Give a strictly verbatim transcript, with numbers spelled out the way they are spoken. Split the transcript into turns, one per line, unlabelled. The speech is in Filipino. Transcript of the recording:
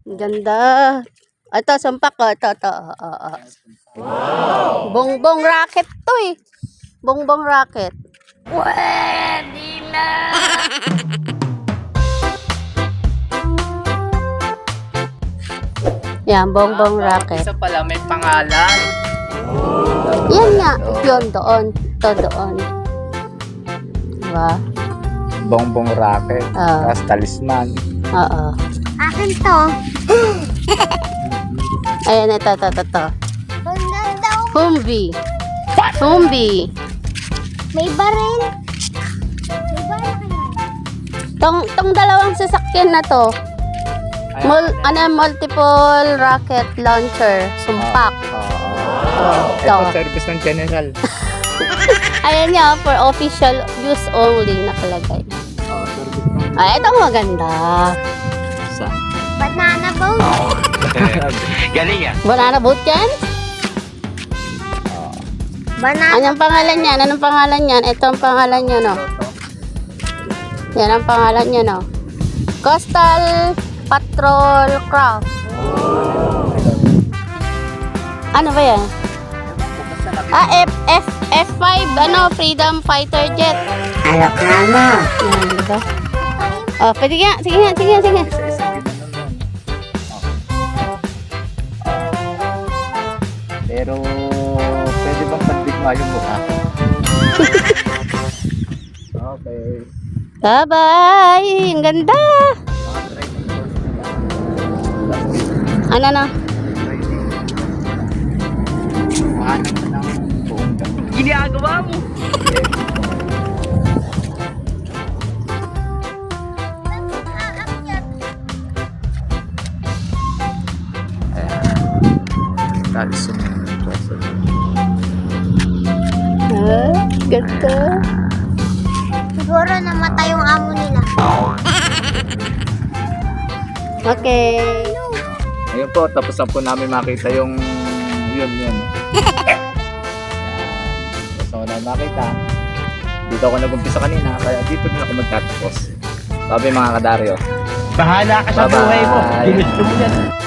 Ganda. Ito, sumpak ko. Ito, ito. Uh, uh. Wow! Bongbong rocket to eh. Bongbong rocket. Pwede na! Yan, bongbong rocket.
Isa pala, may pangalan.
Yan nga. Yun, doon. Ito, doon. Diba?
Bongbong rocket.
Ah.
Tapos talisman.
Oo.
Akin to.
Ayan, ito, ito, ito, ito.
Ganda daw.
Humvee. Humvee.
May baril. May baril kaya.
Tong, tong dalawang sasakyan na to, mul, ano, multiple rocket launcher, sumpak.
Oh,
Ito.
ito, service ng general.
Ayan nga, for official use only, nakalagay.
Oh, service ng...
Ay, ito maganda.
Sa?
Banana boat.
Galing yan.
Banana boat yan?
Banana.
Anong pangalan yan? Anong pangalan yan? Ito ang pangalan nyo, no? Yan ang pangalan nyo, no? Coastal Patrol Craft. Ano ba yan? Ah, F, F, F five, ano, Freedom Fighter Jet.
Alok na mo.
Yan, diba? Oh, pwede nga. Sige nga, sige nga, sige nga.
Isa-isa ginanon nun. Pero, pwede bang pagbigma yung mukha? Okay.
Bye-bye! Ang ganda!
Mga training course nila.
Ano na?
Training. Mahanap na ng buong gabi. Ginagawa mo! That's
Ah, ganda.
Siguro namatay yung amo nila.
Okay.
Ayun po, tapos na po namin makita yung yun, yun. Yan. Gusto ko na makita. Dito ako nag-umpisa kanina, kaya dito din ako magtatapos. Sabi mga kadaryo.
Bahala ka sa
Bye-bye.
buhay mo. Ginusto mo yan.